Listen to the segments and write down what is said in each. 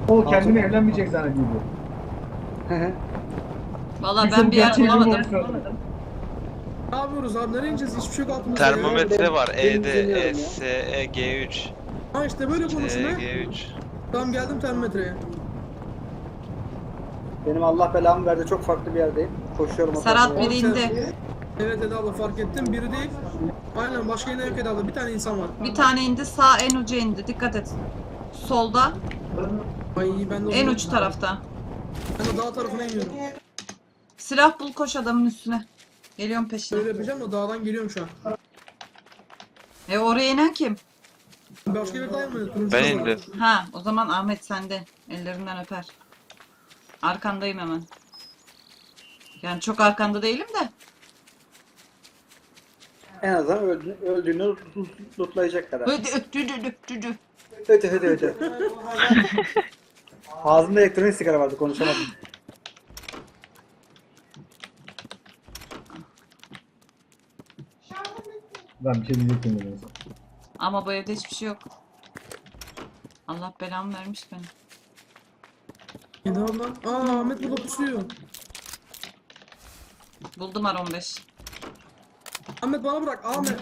O kendini evlenmeyecek zannediyordu. Valla Kimse ben bu bir yer gerçeği bulamadım. bilmiyormuş. Ne yapıyoruz abi? Nereye ineceğiz? Hiçbir şey yok altımızda ya. Termometre var. Benim E'de izleniyorum ya. SE G3. Ha işte böyle konuşun he. G3. Tamam geldim termometreye. Benim Allah belamı verdi, çok farklı bir yerdeyim. Koşuyorum. Serhat otobüse. biri indi. Evet Eda abla fark ettim. Biri değil. Aynen başka yine yok Eda abla. Bir tane insan var. Bir tane indi, sağ en uca indi. Dikkat et. Solda, Ay ben de en uç tarafta. Ben de dağ tarafına iniyorum. Silah bul, koş adamın üstüne. Geliyorum peşine. Böyle yapacağım da dağdan geliyorum şu an. Oraya inen kim? Başka bir dağ mı? Turuncu Ben kazan. indim. Ha, o zaman Ahmet sende. Ellerinden öper. Arkandayım hemen. Yani çok arkanda değilim de. En azından öldüğünü lootlayacak kadar. Ödü. Öte. Ağzımda elektronik sigara vardı, konuşamadım. Ben bir şey diyecektim dedim. Ama bu evde hiçbir şey yok. Allah belamı vermiş beni. Eda abla. Aa Ahmet burada pusuyor. Buldum R15. Ahmet bana bırak. Ahmet.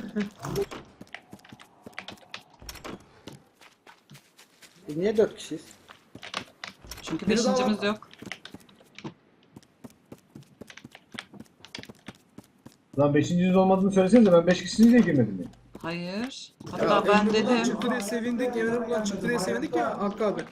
Biz niye 4 kişiyiz? Çünkü Biri daha beşincimiz var. yok. Lan 5. yüz olmadığını söylesenize, ben 5 kişisiniz diye girmedim ya. Hayır. Ya, Hatta ben Emre buradan dedim. çıktı diye sevindik. Emre buradan çıktı diye sevindik ya Hakkı abi.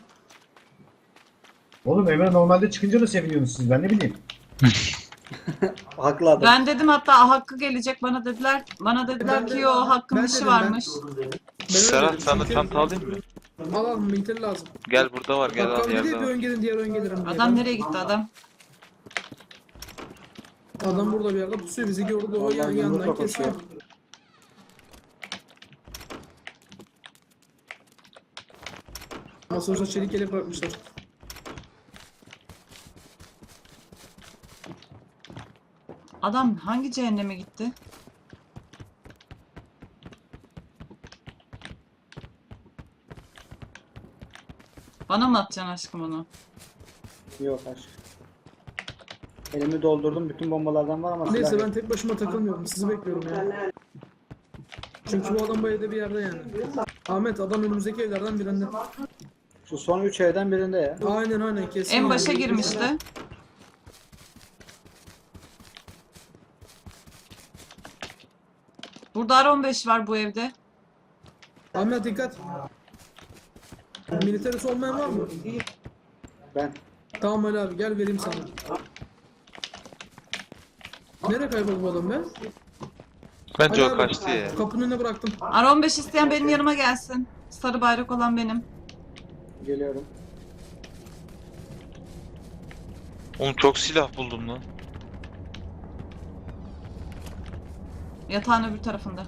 Oğlum Emre normalde çıkınca da seviniyorsunuz siz, ben ne bileyim. Haklı adam. Ben dedim hatta Hakkı gelecek bana dediler. Bana dediler Ben de- ki o Hakkın ben işi dedim, varmış. Ben öyle Serhat dedim, sana çünkü- çanta alayım mı? Al al militer lazım. Gel burada var, gel Hakkı al abi dedi yerde bir var. ön gelin diğer ön gelirim diye. Adam nereye gitti adam? Adam burada bir yerde pusuyor bizi gördü o Vallahi yandan yumrukla kesiyor. koşuyor. Ama sonuçta çelik yelek bırakmışlar. Adam hangi cehenneme gitti? Bana mı atacaksın aşkım onu? Yok aşk. Elimi doldurdum, bütün bombalardan var ama silah Neyse yok. ben tek başıma takılmıyorum sizi bekliyorum ya. Çünkü bu adam bu evde bir yerde yani. Ahmet adam önümüzdeki evlerden birinde. Şu son 3 evden birinde ya. Aynen kesin. En yani. başa girmişti. Burada R15 var bu evde. Ahmet dikkat. Militerisi olmayan var mı? Ben. Tamam Ali abi gel vereyim sana. Nereye kayboldu bu adam be? Bence Ali o abi, kaçtı ya. Kapının önüne bıraktım. R15 isteyen benim yanıma gelsin. Sarı bayrak olan benim. Geliyorum. Oğlum çok silah buldum lan. Yatağın öbür tarafında.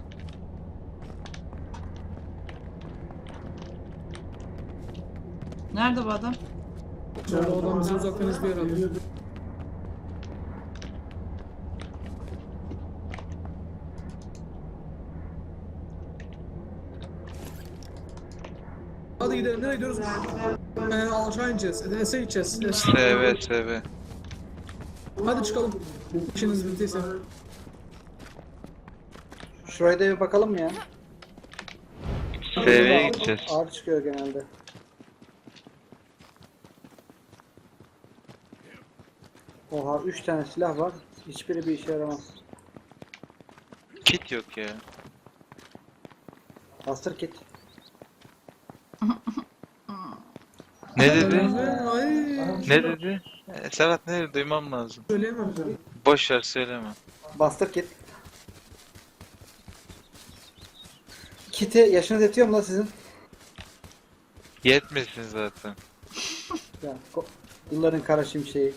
Nerede bu adam? Sonra o adam bizi uzaktan izliyor herhalde. Hadi gidelim. Nereye gidiyoruz? Aşağı ineceğiz. Enes'e gideceğiz. SV. Hadi çıkalım. İşiniz bittiyse. Şuraya da bir bakalım mı ya? SV'ye gideceğiz. Ağır çıkıyor genelde. Oha 3 tane silah var. Hiçbiri bir işe yaramaz. Kit yok ya. Bastır kit. Ne dedi? Ay. Ne dedi? Serhat ne dedi? Duymam lazım. Söyleyemem. Boş ver söyleme. Bastır kit. Kiti yaşınız yetiyor mu lan sizin? Yetmesin zaten. Ya yılların kara şimşeği.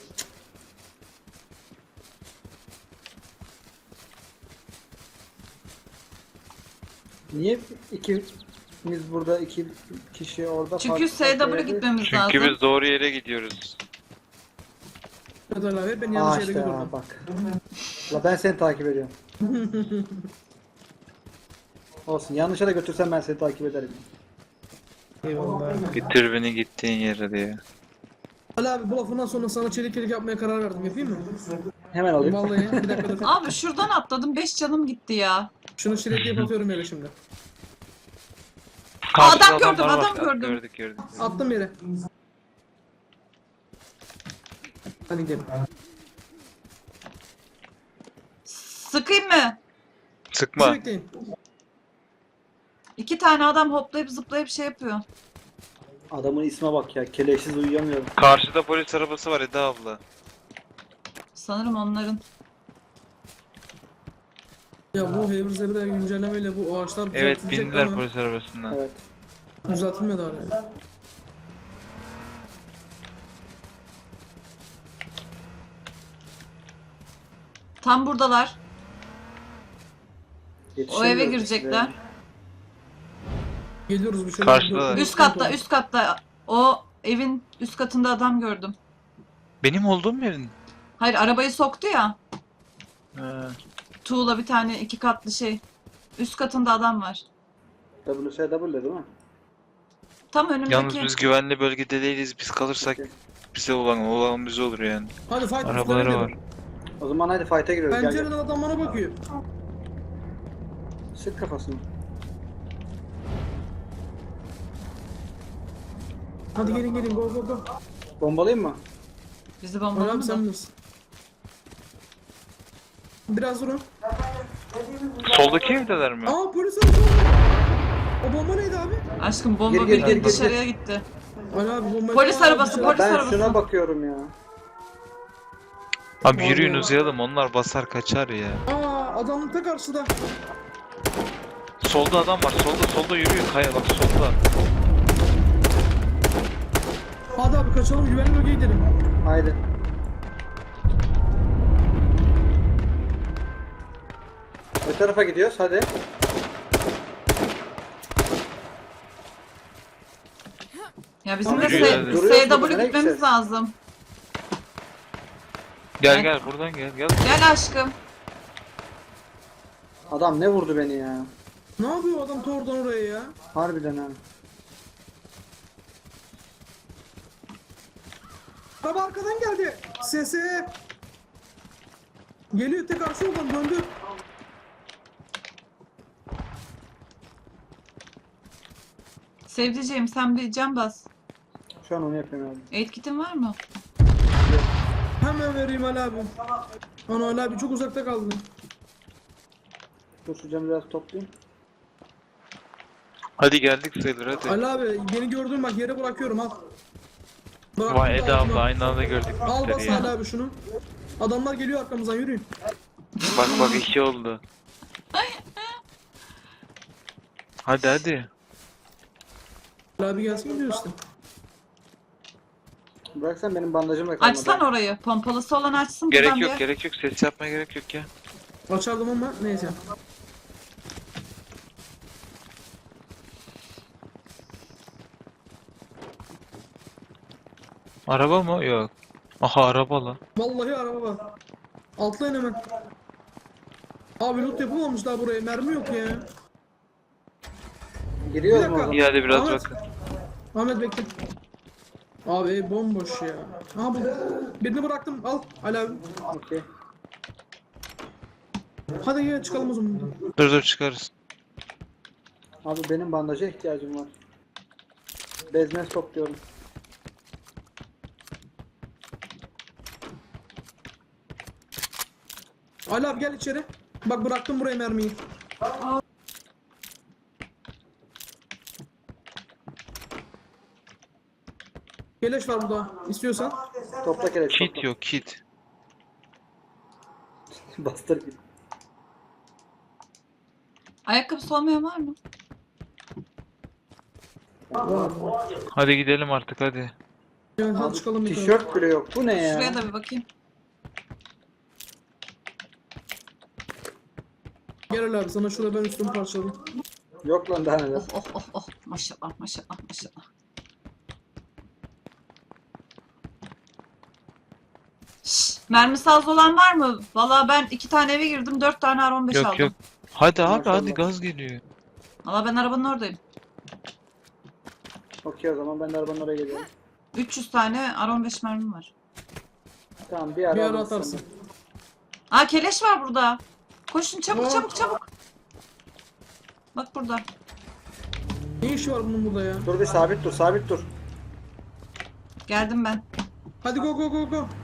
Niye ikimiz burada, iki kişi orada? Çünkü farklı SW yerde? gitmemiz Çünkü lazım. biz doğru yere gidiyoruz. Hadi Ali abi ben Aa yanlış yere işte gidiyorum. bak. La ben seni takip ediyorum. Olsun yanlışa da götürsem ben seni takip ederim. Eyvallah. Bitir beni gittiğin yere diye. Ali abi bu lafından sonra sana çelik yelek yapmaya karar verdim. Yapayım mı? Hemen alayım. Vallahi bir dakika dur. Abi şuradan atladım 5 canım gitti ya. Şunu çelik atıyorum yere şimdi. Karşıda adam gördüm, adamlar adam var. gördüm. Gördük. Attım yere. Hadi gidelim. Sıkayım mı? Sıkma. Bizi bekleyin. 2 tane adam hoplayıp zıplayıp şey yapıyor. Adamın isme bak ya. Keleşsiz uyuyamıyorum. Karşıda polis arabası var Eda abla. Sanırım onların. Ya bu Haver Zebra güncellemeyle bu ağaçlar Evet düzeltilecek bindiler ama polis arabasından. Evet. düzeltilmedi hala. Tam buradalar. O eve Yetişemiyorum girecekler. size. Geliyoruz bir şey. Karşıda. Üst katta, üst katta. O evin üst katında adam gördüm. Benim olduğum yerin. Hayır, arabayı soktu ya. Ha. Tuğla bir tane 2 katlı şey. Üst katında adam var. WSW değil mi? Tam önümdeki. Yalnız biz güvenli bölgede değiliz. Biz kalırsak bize olan bize olur yani. Hadi fight Arabaları üstüne var. gidelim. O zaman hadi fight'a giriyoruz. Gel gel. Pencereden adam bana bakıyor. Sık kafasını. Hadi gelin go go go. Bombalayayım mı? Bizi Ali abi bombaladı sen da. bilirsin. Biraz durun. Soldaki evdeler mi? Aa polis arabası. O bomba neydi abi? Aşkım bomba Gir, bildiğin gir, gir, gir. dışarıya gitti. Ali abi bomba. Polis arabası, Aa, polis Ben arabası. şuna bakıyorum ya. Abi yürüyün uzayalım. Onlar basar kaçar ya. Aa adamın ta karşıda. Solda adam var. Solda yürüyün. Kaya bak solda. Hadi abi kaçalım güvenli bölgeye gidelim. Haydi. Ne tarafa gidiyoruz? Hadi. Ya bizim de Yürüyor, hadi. SW Nereye gitmemiz gideceğiz? lazım. Gel buradan gel. Gel aşkım. Adam ne vurdu beni ya? Ne yapıyor adam ta oradan oraya ya? Harbiden ha. Araba arkadan geldi. Sese. Geliyor tek karşı yoldan döndü. Sevdiceğim sen bir can bas. Şu an onu yapıyorum abi. Aid kit'in var mı? Hemen vereyim Ali abi. Ana Ali abi çok uzakta kaldın. Dur şu camı biraz toplayayım. Hadi geldik sayılır hadi. Ali abi beni gördün bak yere bırakıyorum al. Bıraktım Vay da Eda altıma. abla aynı anda gördük Al bas müşteri Ali ya. abi şunu. Adamlar geliyor arkamızdan yürüyün. Bak 2 oldu. Hadi. Ali abi gelsin gidiyor işte. Bıraksan benim bandajım da kalmadı. Açsan orayı. Pompalısı olan açsın. Gerek buradan yok bir- gerek yok. Ses yapmaya gerek yok ya. Açardım ama neyse. Araba mı? Yok. Aha araba lan. Vallahi araba var. Atlayın hemen. Abi loot yapılmamış daha buraya mermi yok ya. Giriyoruz Bir mu o dakika. zaman? İyi hadi biraz Ahmet. bakın. Ahmet bekle. Abi ev bomboş ya. Aha bu. Birini bıraktım al Ali abi. Okey. Hadi gel çıkalım o zaman. Dur çıkarız. Abi benim bandaja ihtiyacım var. Bezmez topluyorum. Ali abi gel içeri. Bak bıraktım buraya mermiyi. Keleş var burada istiyorsan. Topla keleş Kit topla. yok kit. Bastır git. Ayakkabısı olmayan var mı? Hadi gidelim artık hadi. Evet hadi çıkalım yukarı. Tişört bile yok. Bu ne ya? Şuraya da bir bakayım. Gel Ali abi sana şurada ben üstümü parçaladım. Yok lan daha neler. Oh. Maşallah. Şşş, mermisi az olan var mı? Valla ben 2 tane eve girdim 4 tane R15 aldım. Yok. Hadi abi Maşallah. hadi gaz geliyor. Valla ben arabanın oradayım. Okey o zaman ben de arabanın oraya geliyorum. 300 tane R15 mermim var. Tamam Bir ara alırsın. atarsın. Aa keleş var burada. Koşun çabuk Aa. çabuk çabuk. Bak burada. Ne işi var bunun burada ya? Dur bir sabit dur sabit dur. Geldim ben. Hadi go go go go.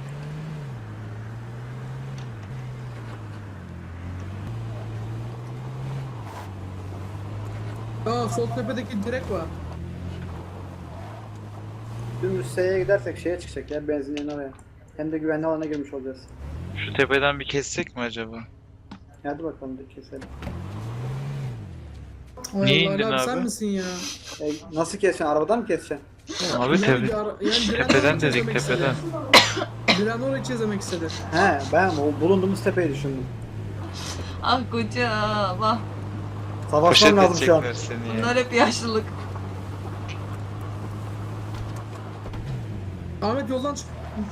Aa sol tepedeki direk var. Dümdüz S'ye gidersek şeye çıkacak ya benzinliğin oraya. Hem de güvenli alana girmiş olacağız. Şu tepeden bir kessek mi acaba? Hadi bakalım bir keselim. Ay Niye Allah, indin Ali sen abi? misin ya? Nasıl keseceksin? Arabadan mı keseceksin? Abi Yani tepe, bir ara- yani Diren tepeden orayı dedik çizemek istedi. tepeden. Diren orayı çizemek istedi. He ben o bulunduğumuz tepeyi düşündüm. Ah kocam ah. Savaşmam Poşet lazım şu an. edecekler seni ya. Bunlar hep yaşlılık. Ahmet yoldan çık.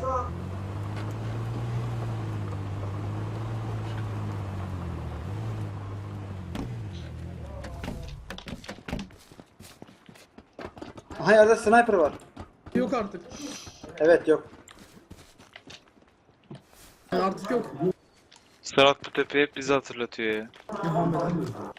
Aha yerde sniper var. Yok artık. Evet yok. Yani artık yok. Serhat bu tepe hep bizi hatırlatıyor ya. Ya Ahmet abi.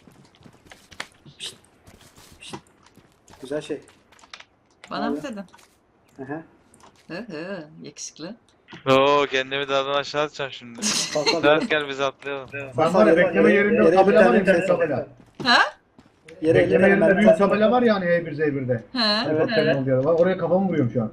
Güzel şey. Bana mı Abi. dedin? Aha. Hı hı yakışıklı. Oo kendimi dağdan aşağı atacağım şimdi. Kalk Serhat gel biz atlayalım. Ben var ya bekleme yerinde tabela var ya, bir tabela. Ha? Yere Bekleme yerinde büyük ben tabela var ya hani E1Z1'de. He. Evet, evet. Diyorlar. Oraya kafamı vuruyorum şu an.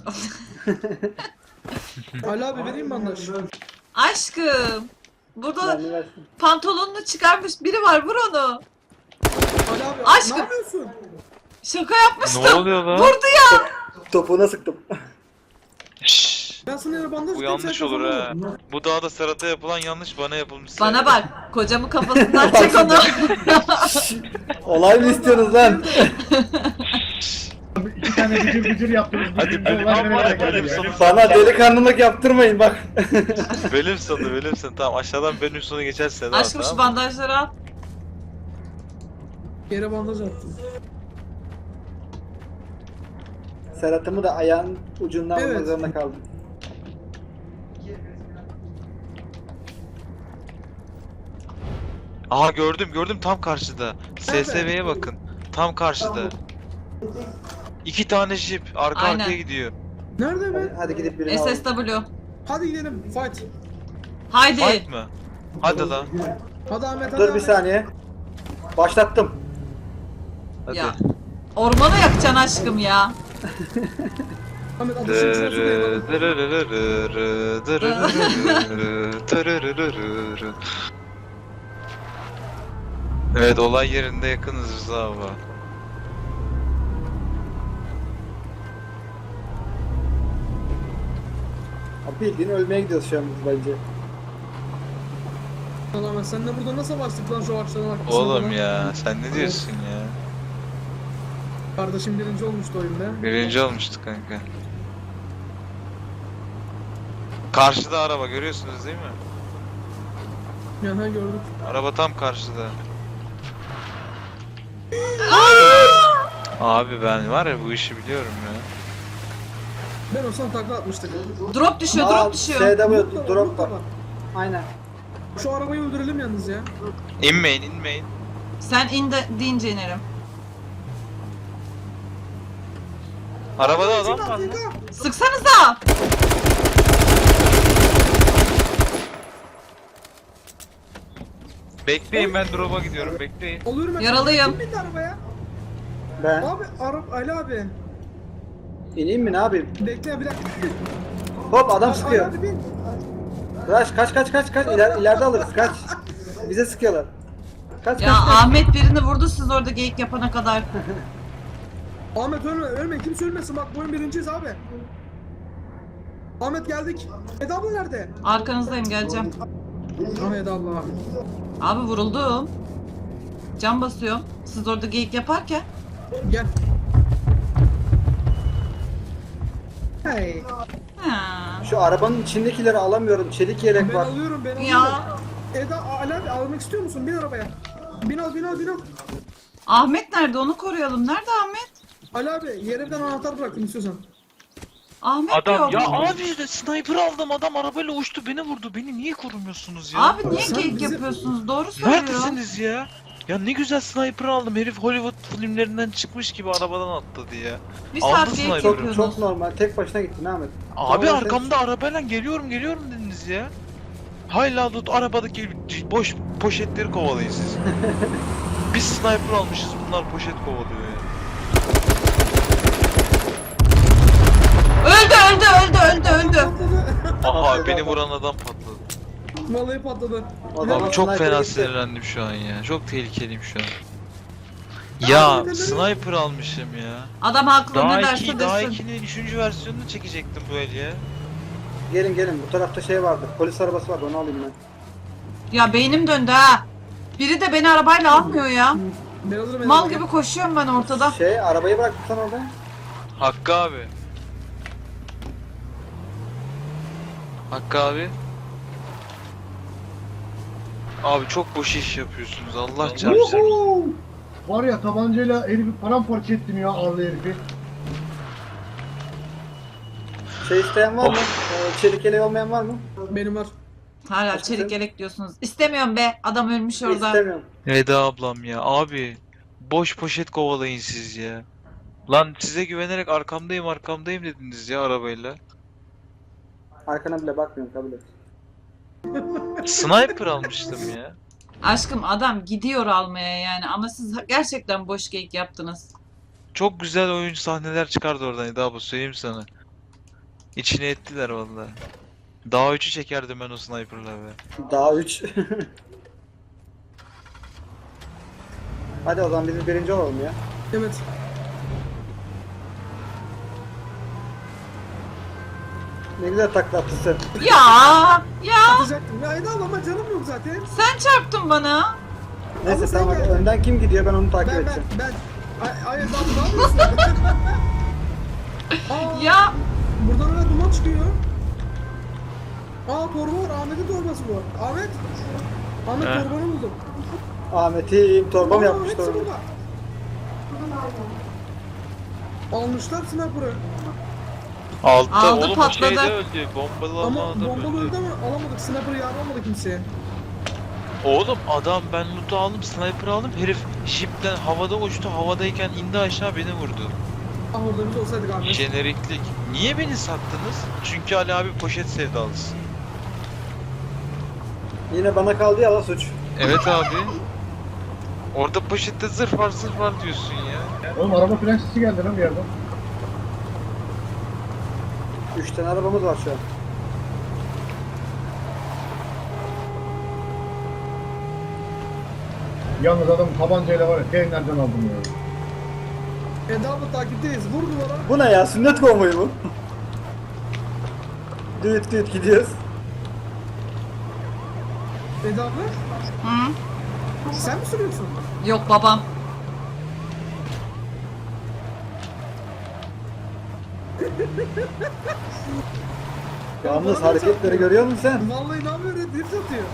Ali abi vereyim bandaj. Aşkım. Burada Ben versin. pantolonunu çıkarmış biri var vur onu. Ali abi Aşkım. ne yapıyorsun? Şaka yapmıştım. Ne oluyor lan? Vurdu ya. Topuğuna sıktım. Şşş. Ben sana yere bandaj Bu tutayım, yanlış sen olur kafana ha. vur. Bu dağda Serhat'a yapılan yanlış bana yapılmış. Bana bak. Kocamı kafasından çek onu. Olay mı istiyorsunuz lan? İki tane gıcır gıcır yaptınız. Hadi Birbirimize benim olay ama vererek benim geldi ya. sonu. Bana delikanlılık yaptırmayın bak. Bölüm sonu tamam aşağıdan benim sonu geçerse Serhat Aşkım şu tamam. bandajları al. Yere bandaj attım. Serhat'ımı da ayağın ucundan Evet. vurmak zorunda kaldım. Aha gördüm tam karşıda. SSV'ye bakın. Tam karşıda. 2 tane jip arka Aynen. arkaya gidiyor. Nerede be? Hadi gidip birini alalım. SSW. Hadi gidelim fight. Haydi. Fight mı? Hadi lan. Hadi Ahmet hadi Dur bir Ahmet. saniye. Başlattım. Hadi. Ya. Ormanı yakacaksın aşkım ya. Ahmet ateşin içine su koyalım. Evet olay yerinde yakınız Rıza abi. Abi bildiğin ölmeye gidiyoruz şu an biz bence. Lan Ahmet sen de burada nasıl bastık lan şu ağaçların arkasına? Oğlum lan? ya sen ne diyorsun ya? Kardeşim birinci olmuştu oyunda. Birinci olmuştuk kanka. Karşıda araba görüyorsunuz değil mi? Yani gördük. Araba tam karşıda. Abi ben var ya bu işi biliyorum ya. Ben olsam takla atmıştık. Drop düşüyor, drop düşüyor. SW Loot da drop da var. Aynen. Şu arabayı öldürelim yalnız ya. İnmeyin. Sen in de deyince inerim. Arabada adam var lan. Sıksanıza. Bekleyin ben drop'a gidiyorum bekleyin. Oluyorum ben. Yaralıyım. Kim bindi arabaya? Ben Abi Ali abi. ineyim mi ne yapayım? Bekle bir dakika. Hop adam Ali sıkıyor. abi bin. Kaç ileride alırız kaç. Bize sıkıyorlar. Kaç Ya Ahmet birini vurdu siz orada geyik yapana kadar. Ahmet ölme kimse ölmesin bak bu oyun birinciyiz abi. Ahmet geldik. Eda abla nerede? Arkanızdayım geleceğim. Ah Eda abla. Abi vuruldum. Can basıyorum. Siz orada geyik yaparken. Gel. Hey. Ha. Şu arabanın içindekileri alamıyorum. Çelik yelek Ben var. alıyorum ben alıyorum. Ya. Eda Ali abi almak istiyor musun? Bin arabaya. Bin al. Ahmet nerede? Onu koruyalım. Nerede Ahmet? Ali abi yerden anahtar bıraktım istiyorsan. Ahmet Adam yok. ya abi de sniper aldım, adam arabayla uçtu beni vurdu. Beni niye korumuyorsunuz ya? Abi niye Sen geyik bizi- yapıyorsunuz? Doğru söylüyor. Neredesiniz ya? Ya ne güzel sniper aldım. Herif Hollywood filmlerinden çıkmış gibi arabadan atladı ya. Bir Aldı saat geyik sniper'ı. Çok yapıyorsunuz. normal. Tek başına gittin Ahmet. Abi Tamam, arkamda arabayla geliyorum dediniz ya. Hayla loot arabadaki boş poşetleri kovalayın siz. Biz sniper almışız, bunlar poşet kovalıyor ya. Öldü. Aha beni vuran adam patladı. Vallahi patladı. Adam Abi çok sniper'e fena gitti. sinirlendim şu an ya. Çok tehlikeliyim şu an. Ya neden- sniper almışım ya. Adam haklı Daha ne derse iki, daha desin. 2'nin 3. versiyonunu çekecektim bu el ya. Gelin bu tarafta şey vardı. Polis arabası vardı onu alayım ben. Ya beynim döndü ha. Biri de beni arabayla almıyor ya. Ben alırım Mal elime. gibi koşuyorum ben ortada. Şey arabayı bıraktım sen orada. Hakkı abi. Hakkı abi. Abi çok boş iş yapıyorsunuz, Allah çarpsın. Uhu! Var ya tabancayla herifi paramparça ettim ya ağırlı herifi. Şey isteyen var mı? Of. Çelik yeleği olmayan var mı? Benim var. Hala çelik yelek diyorsunuz. İstemiyorum be. Adam ölmüş orada. İstemiyorum. Veda ablam ya abi. Boş poşet kovalayın siz ya. Lan size güvenerek arkamdayım dediniz ya arabayla. Arkana bile bakmıyorum kabul et. Sniper almıştım ya. Aşkım adam gidiyor almaya yani ama siz gerçekten boş geyik yaptınız. Çok güzel oyuncu sahneler çıkardı oradan Eda abla, söyleyeyim sana. İçine ettiler vallahi. Daha 3'ü çekerdim ben o sniper'la be. Daha 3. Hadi o zaman biz birinci olalım ya. Evet. Ne güzel takla attın sen. Ya Atacaktım. Ya Eda ama canım yok zaten. sen çarptın bana. Neyse Ama sen tamam hadi gel. önden kim gidiyor ben onu takip Ben. edeceğim. Ay Eda abi ne yapıyorsun? Aa, Ya buradan öyle duman çıkıyor. Aa torba var. Ahmet'in torbası bu. Ahmet. Ahmet He. torbanı buldum. Ahmet'im torba mı Aa, yapmış hepsi torba? burada. Almışlar sniper'ı. Altta Aldı, oğlum patladı. o şeyde öldü. Bombalı Ama adam bombalı öldü. öldü ama alamadık. Sniper'ı yaralamadı kimseye. Oğlum adam, ben loot'u aldım, sniper aldım. Herif jipten havada uçtu. Havadayken indi aşağı, beni vurdu. Ah orada biz olsaydık Ahmet. Jeneriklik. Niye beni sattınız? Çünkü Ali abi poşet sevdalısı. Yine bana kaldı ya la suç. Evet abi. Orada poşette zırh var diyorsun ya. Oğlum araba fren sesi geldi lan bir yerden. 3 tane arabamız var şu an. Yalnız adam tabancayla var ya nereden aldım ya. Eda abla takipteyiz. Vur duvara. Bu ne ya? Sünnet konvoyu bu. Düt gidiyoruz. Eda abla hı? sen mi sürüyorsun? Yok babam. Yalnız hareketleri görüyor musun sen? Vallahi inanmıyor ya drift atıyor.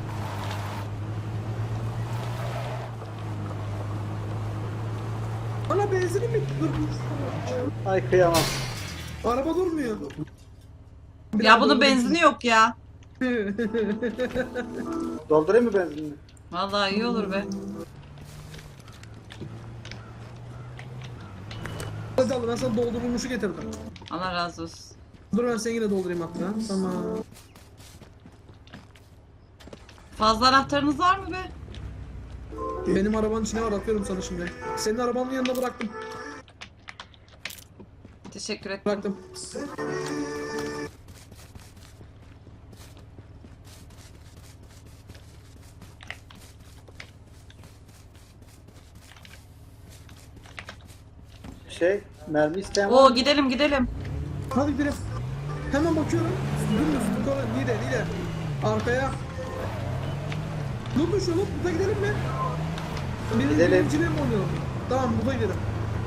Ana benzinim bitti dur. Ay kıyamam. Araba durmuyor. Ya bunun benzini yok ya. Doldurayım mı benzinini? Vallahi iyi olur be. Hadi abla ben sana doldurulmuşu getirdim. Allah razı olsun. Dur ben seni yine doldurayım hatta. Tamam. Fazla anahtarınız var mı be? Benim arabanın içine var atıyorum sana şimdi. Senin arabanın yanına bıraktım. Teşekkür ederim. Bıraktım. Mermi isteyen var Oo mı? gidelim. Hadi gidelim. Hemen bakıyorum. Dümdüz yukarı lider. Arkaya. Loot'un şu loot'a gidelim mi? Gidelim. Birinciliğe mi oynayalım? Tamam burada gidelim.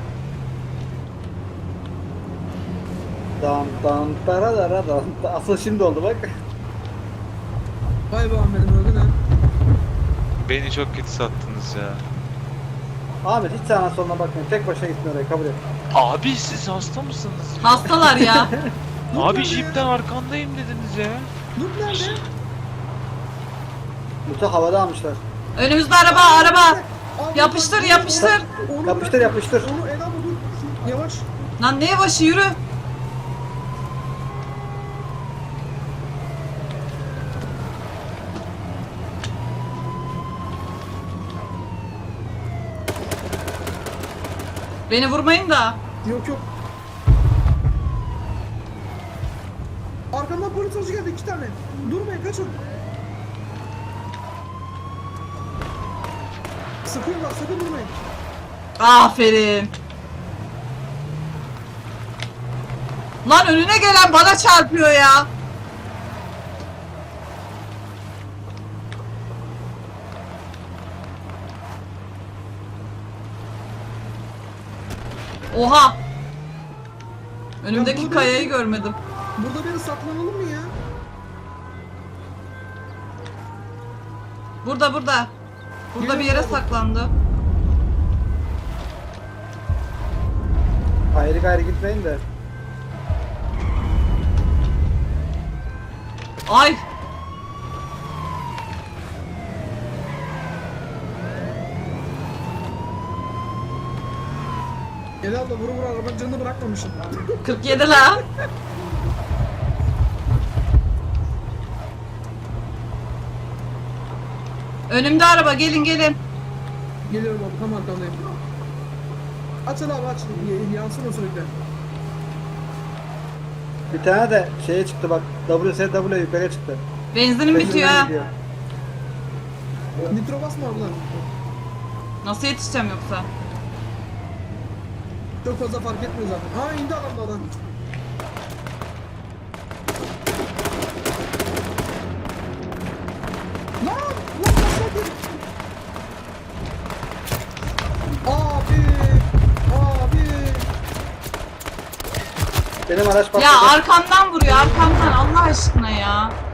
Dan taradara dan. Asıl şimdi oldu bak. Vay be Ahmet'im öldün ha. Beni çok kötü sattınız ya. Ahmet hiç sağına soluna bakmayın. Tek başına gittin oraya kabul et. Abi siz hasta mısınız? Hastalar ya. Abi jipten arkandayım dediniz ya. Dur nerede? Lütfen havada almışlar. Önümüzde araba. Al, Yapıştır, bak, yapıştır. Onu Yapıştır bırak. yapıştır. Onu Eda bu dur. Yavaş. Lan ne yavaşı yürü. Beni vurmayın da. Yok yok. Arkamdan polis aracı geldi 2 tane. Durmayın kaçın. Sıkıyorlar sakın durmayın. Aferin. Lan önüne gelen bana çarpıyor ya. Oha. Önümdeki burada kayayı bir- görmedim. Burada beni saklanalım mı ya? Burada. Burada Gelin bir yere abi. saklandı. Ayrı gayrı gitmeyin de. Ay. Eda abla vuru arabanın canını bırakmamışım. 47 la. Önümde araba, gelin. Geliyorum abi tam arkandayım. Aç Eda abi aç. Yansın o sürekli. Bir tane de şeye çıktı bak. WSW yukarıya çıktı. Benzinim bitiyor Peşinden ha. gidiyor. Nitro basma abla. Nasıl yetişeceğim yoksa? Çok fazla fark etmiyor zaten. Ha indi adam da adam. Lan! Lan başladı! Abi! Abi! Benim araç patladı. Ya arkamdan vuruyor, arkamdan Allah aşkına ya.